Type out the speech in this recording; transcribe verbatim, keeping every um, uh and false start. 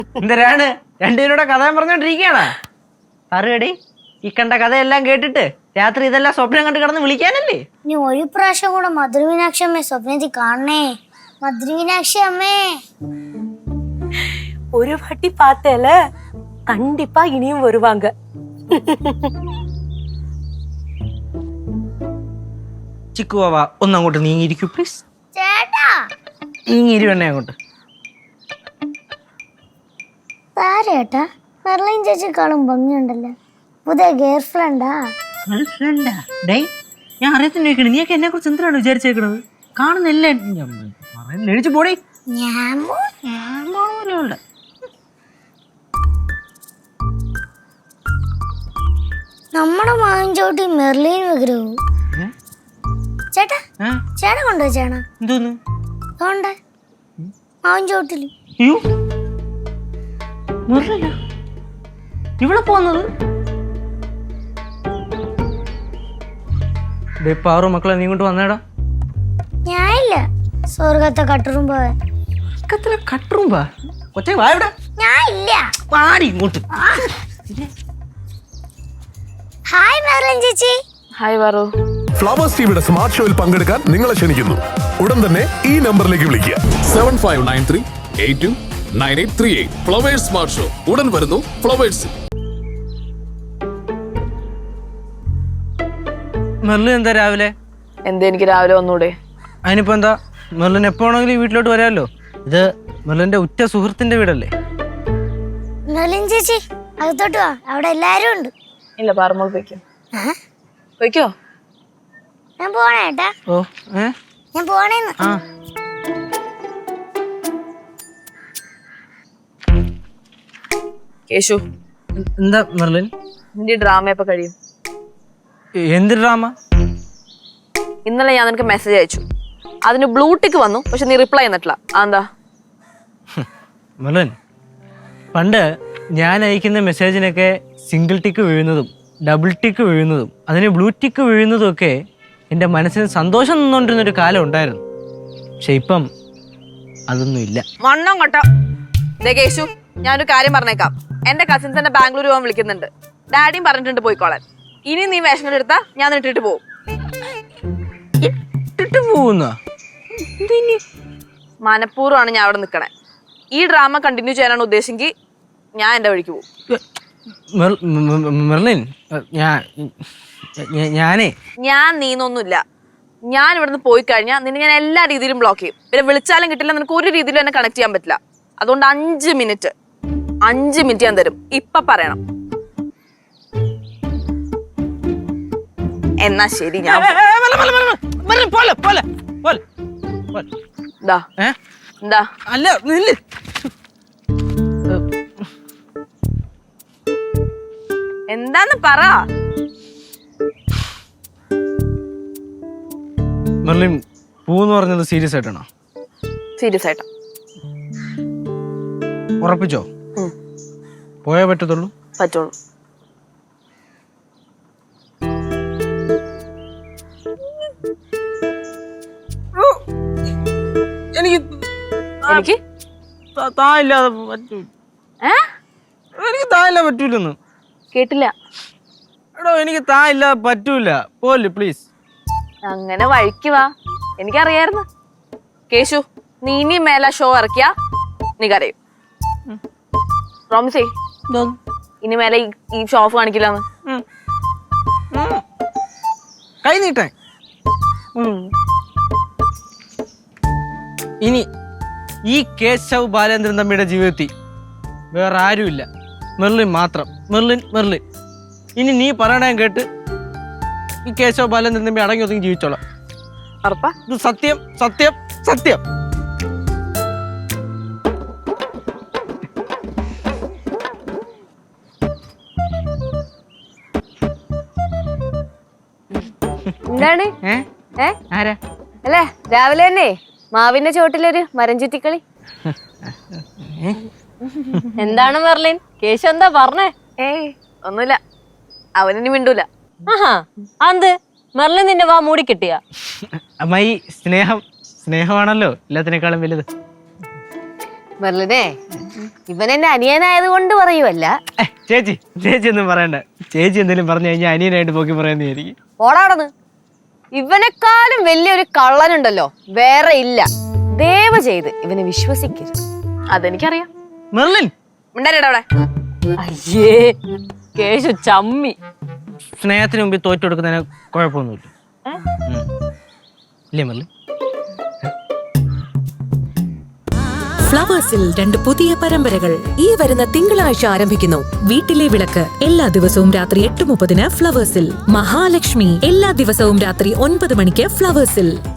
എന്തരാണ് രണ്ടുപേരുടെ കഥ പറഞ്ഞോണ്ടിരിക്കണ പറയടി. ഈ കണ്ട കഥയെല്ലാം കേട്ടിട്ട് രാത്രി ഇതെല്ലാം സ്വപ്നം കണ്ട് കിടന്ന് വിളിക്കാനല്ലേ? നീ ഒരു പ്രാവശ്യം കൂടെ മധുരമീനാക്ഷി അമ്മേ സ്വപ്നത്തിൽ കാണണേ. മധുരമീനാക്ഷി അമ്മേ ഒരു വാട്ടി பார்த்தேல கண்டிப்பா இனியும் வருவாங்க. ചിക്കുവാവ ഒന്നങ്ങോട്ട് നീങ്ങിയിരിക്കൂ പ്ലീസ്. ചേട്ടാ നീങ്ങിയിരിവണ്ണേ അങ്ങോട്ട്. താരേട്ടാ മെർലിൻ ചേച്ചിക്കാളും ഭംഗിയുണ്ടല്ലോ. പുതിയ ഗേൾ ഫ്രണ്ടാ? ഞാൻ അറിയത്തിന് ചോദിക്കണേ, നീയൊക്കെ എന്നെ കുറിച്ച് എന്തിനാണ് വിചാരിച്ചേക്കണത്? കാണുന്നല്ലേ എഴുതിച്ചു പോടേ. ഞാൻ നമ്മുടെ മാവിൻചോട്ടി മെർലിൻ വിഗ്രഹവും ചേട്ടാ ചേട്ടൻ കൊണ്ടോ ചേണ എന്തോന്ന് അതുകൊണ്ട് മാവിൻചോട്ടില് ഇവിടെ പോന്നത് പാറു മക്കളെ നീ കൊണ്ട് വന്നേടാ. ഞാനില്ല സ്വർഗത്തെ കട്ടുറുമ്പോ കട്ടുറുമ്പാ കൊച്ചേ വായുടെ ഞാൻ ഇല്ല പാടി ഇങ്ങോട്ട്. ഹായ് മെർലിൻ ചേച്ചി. ഹായ് വാറു. ഫ്ലവേഴ്സ് ടിവിയുടെ സ്മാർട്ട് ഷോയിൽ പങ്കെടുക്കാൻ നിങ്ങളെ ക്ഷണിക്കുന്നു. ഉടൻ തന്നെ ഈ നമ്പറിലേക്ക് വിളിക്കുക. Seven five nine three eight two nine eight three eight. Flowers smart show ഉടൻ വരുന്നു ഫ്ലവേഴ്സ്. മെർലിൻ എന്താ രാവിലെ? എന്താ എനിക്ക് രാവിലെ വന്നൂടെ? അതിനിപ്പോ എന്താ, മെർലിൻ എപ്പോ ആണെങ്കിലും ഈ വീട്ടിലോട്ട് വരാമല്ലോ. ഇത് മെർലിന്റെ ഉറ്റ സുഹൃത്തിന്റെ വീടല്ലേ? മെർലിൻ ചേച്ചി അകത്തോട്ട് വാ, അവിടെ എല്ലാരും ഉണ്ട്. ഇല്ല പാറമോൾ പോയിക്കോ. പോയിക്കോ. ഞാൻ പോണേ ഏട്ടാ. ഓ ഏ ഞാൻ പോണേന്ന്. ആ കേശു എന്താ മെർലിൻ? നിന്റെ ഡ്രാമ എപ്പോ കഴിയും? എന്ത് ഡ്രാമ? ഇന്നലെ ഞാൻ നിനക്ക് മെസ്സേജ് അയച്ചു, അതിന് ബ്ലൂ ടിക്ക് വന്നു, പക്ഷെ നീ റിപ്ലൈ ചെയ്തിട്ടില്ല. അതെന്താ? മെർലിൻ, പണ്ട് ഞാൻ അയക്കുന്ന മെസ്സേജിനൊക്കെ സിംഗിൾ ടിക്ക് വീഴുന്നതും ഡബിൾ ടിക്ക് വീഴുന്നതും അതിന് ബ്ലൂ ടിക്ക് വീഴുന്നതും ഒക്കെ എൻ്റെ മനസ്സിന് സന്തോഷം നിന്നുകൊണ്ടിരുന്നൊരു കാലം ഉണ്ടായിരുന്നു. പക്ഷെ ഇപ്പം അതൊന്നും ഇല്ല. മണ്ണം കൊട്ട. കേശു, ഞാനൊരു കാര്യം പറഞ്ഞേക്കാം. എന്റെ കസിൻസ് എന്നെ ബാംഗ്ലൂർ പോകാൻ വിളിക്കുന്നുണ്ട്. ഡാഡിയും പറഞ്ഞിട്ടുണ്ട് പോയിക്കോളാൻ. ഇനി നീ വേഷം എടുത്താ ഞാൻ ഇട്ടിട്ട് പോകും. ഇട്ടിട്ട് പോകുന്ന മനഃപൂർവ്വമാണ് ഞാൻ അവിടെ നിൽക്കണേ. ഈ ഡ്രാമ കണ്ടിന്യൂ ചെയ്യാനാണ് ഉദ്ദേശിച്ചെങ്കിൽ ഞാൻ എന്റെ വഴിക്ക് പോകും. മെർലിൻ, ഞാനേ ഞാൻ നീന്നൊന്നുമില്ല. ഞാൻ ഇവിടുന്ന് പോയി കഴിഞ്ഞാൽ നിന്നെ ഞാൻ എല്ലാ രീതിയിലും ബ്ലോക്ക് ചെയ്യും. പിന്നെ വിളിച്ചാലും കിട്ടില്ല, നിനക്ക് ഒരു രീതിയിലും എന്നെ കണക്ട് ചെയ്യാൻ പറ്റില്ല. അതുകൊണ്ട് അഞ്ച് മിനിറ്റ് അഞ്ച് മിനിറ്റ് ഞാൻ തരും. ഇപ്പൊ പറയണം. എന്നാ ശരി. ഞാൻ എന്താ അല്ല നില്ല്. എന്താന്ന് പറ. മെർലിൻ, പൂന്ന് പറഞ്ഞത് സീരിയസ് ആയിട്ടാണോ? സീരിയസ് ആയിട്ടാ. ഉറപ്പിച്ചോ? പോയേ പറ്റത്തുള്ളൂ? പറ്റുള്ളൂ. എനിക്ക് എനിക്ക് തായില്ലാതെ പറ്റൂ. എനിക്ക് തായില്ലാതെ പറ്റൂലെന്ന്. കേട്ടില്ല. എടോ, എനിക്ക് തായില്ലാതെ പറ്റൂല. പോലെ പ്ലീസ്. അങ്ങനെ വഴിക്ക് വാ. എനിക്കറിയായിരുന്നു. കേശു, നീ ഇനി മേല ഷോ ഇറക്കിയാ നീ കരയും. പ്രോമിസേ, ഇനി മേലെ ഈ ഷോ ഓഫ് കാണിക്കില്ലാന്ന്. കൈ നീട്ടെ. ഇനി ഈ കേശവ് ബാലേന്ദ്രൻ തമ്മിയുടെ ജീവിതത്തിൽ വേറെ ആരുമില്ല, മെർലിൻ മാത്രം. മെർലിൻ മെർലിൻ ഇനി നീ പറയണ കേട്ട് ഈ കേശവ് ബാലേന്ദ്രൻ തമ്പി അടങ്ങി ഒതുങ്ങി ജീവിച്ചോളാം. ഉറപ്പാ? ഇത് സത്യം സത്യം സത്യം. എന്താണ് ആരാ അല്ലേ രാവിലെ തന്നെ മാവിന്റെ ചോട്ടിലൊരു മരം ചുറ്റിക്കളി? എന്താണ് മെർലിൻ? കേശു എന്താ പറഞ്ഞേ? ഏയ് ഒന്നുമില്ല, അവനിനി മിണ്ടൂല. അത് മെർലിൻ നിന്നെ വാ മൂടി കിട്ടിയ അമ്മായി, സ്നേഹം സ്നേഹമാണല്ലോ എല്ലാത്തിനേക്കാളും വലുത്. മെർലിനെ ഇവൻ എന്റെ അനിയനായത് കൊണ്ട് പറയുമല്ല. ഏ, ചേച്ചി ചേച്ചി ഒന്നും പറയണ്ട. ചേച്ചി എന്തെങ്കിലും പറഞ്ഞു കഴിഞ്ഞാൽ അനിയനായിട്ട് പോക്കി പറയുന്നതായിരിക്കും. ഓടാടന്ന്. ഇവനെക്കാളും വലിയൊരു കള്ളനുണ്ടല്ലോ വേറെ ഇല്ല. ദയവ് ചെയ്ത് ഇവനെ വിശ്വസിക്കരുത്. അതെനിക്കറിയാം. മെർലിൻ ഉണ്ടായിട്ടാ അവിടെ. അയ്യേ കേശു ചമ്മി. സ്നേഹത്തിന് മുമ്പിൽ തോറ്റു കൊടുക്കുന്നതിന് കുഴപ്പമൊന്നുമില്ല. ഉം. ഇല്ലേ മെർലിൻ? ഫ്ലവേഴ്സിൽ രണ്ട് പുതിയ പരമ്പരകൾ ഈ വരുന്ന തിങ്കളാഴ്ച ആരംഭിക്കുന്നു. വീട്ടിലെ വിളക്ക് എല്ലാ ദിവസവും രാത്രി എട്ട് മുപ്പതിന് ഫ്ലവേഴ്സിൽ. മഹാലക്ഷ്മി എല്ലാ ദിവസവും രാത്രി ഒൻപത് മണിക്ക് ഫ്ലവേഴ്സിൽ.